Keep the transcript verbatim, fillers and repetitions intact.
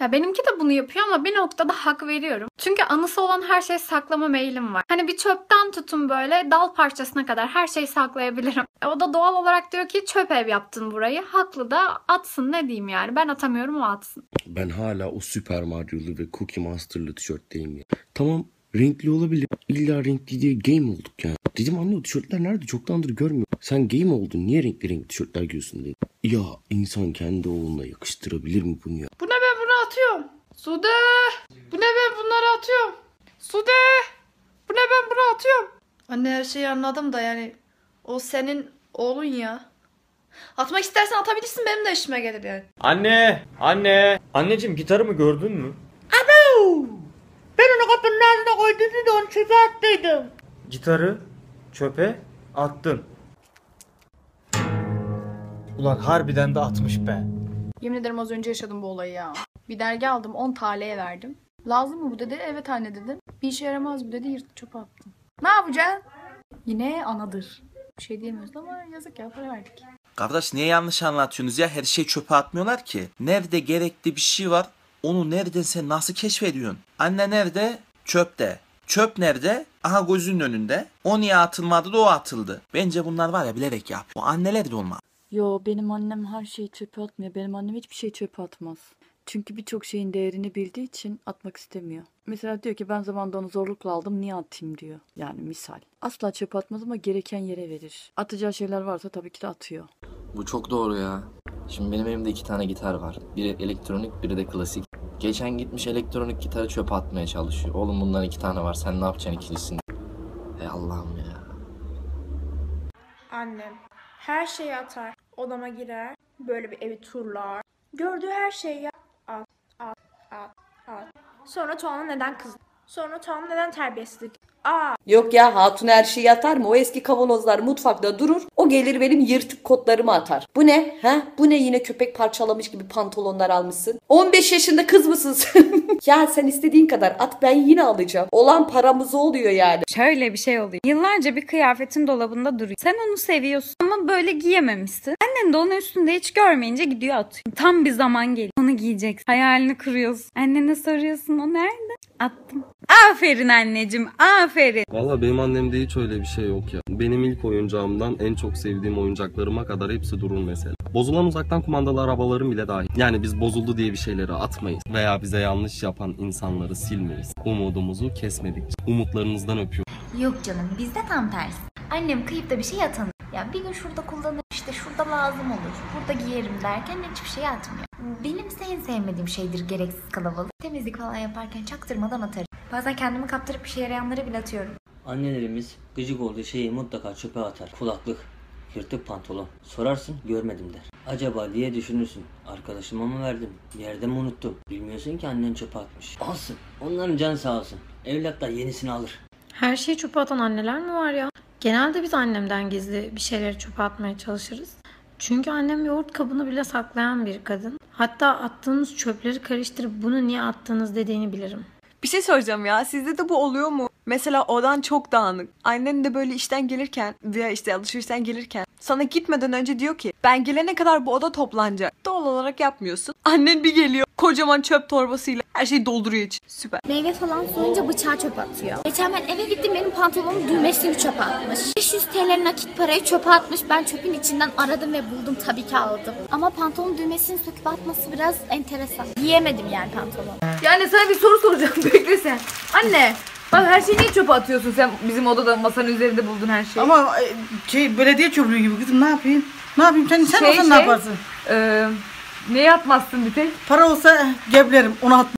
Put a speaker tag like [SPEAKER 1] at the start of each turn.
[SPEAKER 1] Ya benimki de bunu yapıyor ama bir noktada hak veriyorum. Çünkü anısı olan her şeyi saklama meyilim var. Hani bir çöpten tutun böyle dal parçasına kadar her şeyi saklayabilirim. E o da doğal olarak diyor ki çöp ev yaptın burayı. Haklı da atsın, ne diyeyim yani. Ben atamıyorum, o atsın.
[SPEAKER 2] Ben hala o Super Mario'lu ve Cookie Monster'lı tişörtteyim ya. Tamam, renkli olabilir. İlla renkli diye game olduk yani. Dedim anne o tişörtler nerede? Çoktandır görmüyorum. Sen game oldun. Niye renkli renkli tişörtler giyiyorsun dedi. Ya insan kendi oğluna yakıştırabilir mi bunu ya?
[SPEAKER 1] Bu ne, ben bunu atıyorum. Sude! Bu ne, ben bunları atıyorum. Sude! Bu ne, ben bunu atıyorum. Anne her şeyi anladım da yani o senin oğlun ya. Atmak istersen atabilirsin, benim de işime gelir yani.
[SPEAKER 3] Anne! Anne! Anneciğim gitarımı gördün mü?
[SPEAKER 4] Abo! Ben onu kapının ağzına koydum da onu çöpe attıydım.
[SPEAKER 3] Gitarı çöpe attın. Ulan harbiden de atmış be.
[SPEAKER 1] Yemin ederim az önce yaşadım bu olayı ya. Bir dergi aldım, on T L'ye verdim. Lazım mı bu dedi, evet anne dedim. Bir işe yaramaz bu dedi, yırtıp çöpe attım. Ne yapacaksın? Yine anadır. Bir şey diyemiyoruz ama yazık ya, para verdik.
[SPEAKER 5] Kardeş niye yanlış anlatıyorsunuz ya? Her şey çöpe atmıyorlar ki. Nerede gerekli bir şey var, onu nereden sen nasıl keşfediyorsun? Anne nerede? Çöpte. Çöp nerede? Aha gözünün önünde. O niye atılmadı da o atıldı. Bence bunlar var ya bilerek yapıyor. O anneler de olmaz.
[SPEAKER 6] Yo, benim annem her şeyi çöpe atmıyor. Benim annem hiçbir şey çöpe atmaz. Çünkü birçok şeyin değerini bildiği için atmak istemiyor. Mesela diyor ki ben zamanında onu zorlukla aldım, niye atayım diyor. Yani misal. Asla çöpe atmaz ama gereken yere verir. Atacağı şeyler varsa tabii ki de atıyor.
[SPEAKER 7] Bu çok doğru ya. Şimdi benim elimde iki tane gitar var. Biri elektronik, biri de klasik. Geçen gitmiş elektronik gitarı çöpe atmaya çalışıyor. Oğlum bundan iki tane var, sen ne yapacaksın ikilisini? Ey Allah'ım ya.
[SPEAKER 8] Annem her şeyi atar, odama girer, böyle bir evi turlar. Gördüğü her şeyi yap, at, at, at, at. Sonra Tuğan'a neden kızdı? Sonra Tuğan'a neden terbiyesizlik? Aa.
[SPEAKER 9] Yok ya, hatun her şeyi atar mı? O eski kavanozlar mutfakta durur. O gelir benim yırtık kotlarımı atar. Bu ne? Ha? Bu ne, yine köpek parçalamış gibi pantolonlar almışsın? on beş yaşında kız mısın sen? Ya sen istediğin kadar at, ben yine alacağım. Olan paramız oluyor yani.
[SPEAKER 10] Şöyle bir şey oluyor. Yıllarca bir kıyafetin dolabında duruyor. Sen onu seviyorsun ama böyle giyememişsin. Annen de onu üstünde hiç görmeyince gidiyor atıyor. Tam bir zaman geliyor. Onu giyeceksin. Hayalini kuruyorsun. Annene soruyorsun, o nerede? Attım. Aferin anneciğim, aferin.
[SPEAKER 11] Valla benim annemde hiç öyle bir şey yok ya. Benim ilk oyuncağımdan en çok sevdiğim oyuncaklarıma kadar hepsi durur mesela. Bozulan uzaktan kumandalı arabalarım bile dahil. Yani biz bozuldu diye bir şeyleri atmayız. Veya bize yanlış yapan insanları silmeyiz. Umudumuzu kesmedikçe. Umutlarınızdan öpüyorum.
[SPEAKER 12] Yok canım, bizde tam tersi. Annem kıyıp da bir şey atanır. Ya bir gün şurada kullanır, işte şurada lazım olur, burada giyerim derken hiçbir şey atmıyor. Benim en sevmediğim şeydir gereksiz kalabalık. Temizlik falan yaparken çaktırmadan atarım. Bazen kendimi kaptırıp bir şey yarayanları bile atıyorum.
[SPEAKER 13] Annelerimiz gıcık olduğu şeyi mutlaka çöpe atar. Kulaklık, yırtık pantolon. Sorarsın, görmedim der. Acaba diye düşünürsün. Arkadaşıma mı verdim? Bir yerde mi unuttum? Bilmiyorsun ki annen çöpe atmış. Olsun. Onların canı sağ olsun. Evlatlar yenisini alır.
[SPEAKER 14] Her şeyi çöpe atan anneler mi var ya? Genelde biz annemden gizli bir şeyleri çöpe atmaya çalışırız. Çünkü annem yoğurt kabını bile saklayan bir kadın. Hatta attığınız çöpleri karıştırıp bunu niye attığınız dediğini bilirim.
[SPEAKER 15] Bir şey soracağım ya, sizde de bu oluyor mu? Mesela odan çok dağınık. Annen de böyle işten gelirken veya işte alışverişten gelirken sana gitmeden önce diyor ki ben gelene kadar bu oda toplanacak. Doğal olarak yapmıyorsun. Annen bir geliyor kocaman çöp torbasıyla her şeyi dolduruyor için. Süper.
[SPEAKER 16] Meyve falan soyunca bıçağı çöpe atıyor. Geçen ben eve gittim, benim pantolonumun düğmesini çöpe atmış. beş yüz T L nakit parayı çöpe atmış. Ben çöpün içinden aradım ve buldum, tabii ki aldım. Ama pantolonun düğmesini söküp atması biraz enteresan. Giyemedim yani pantolonu.
[SPEAKER 17] Yani sana bir soru soracağım, bekle sen. Anne, bak her şeyi niye çöpe atıyorsun sen, bizim odada masanın üzerinde buldun her şeyi?
[SPEAKER 4] Ama şey, belediye çöplüğü gibi kızım, ne yapayım? Ne yapayım, sen, sen şey, olsan şey, ne yaparsın?
[SPEAKER 17] E, neye atmazsın bir tek?
[SPEAKER 4] Para olsa geblerim, onu at.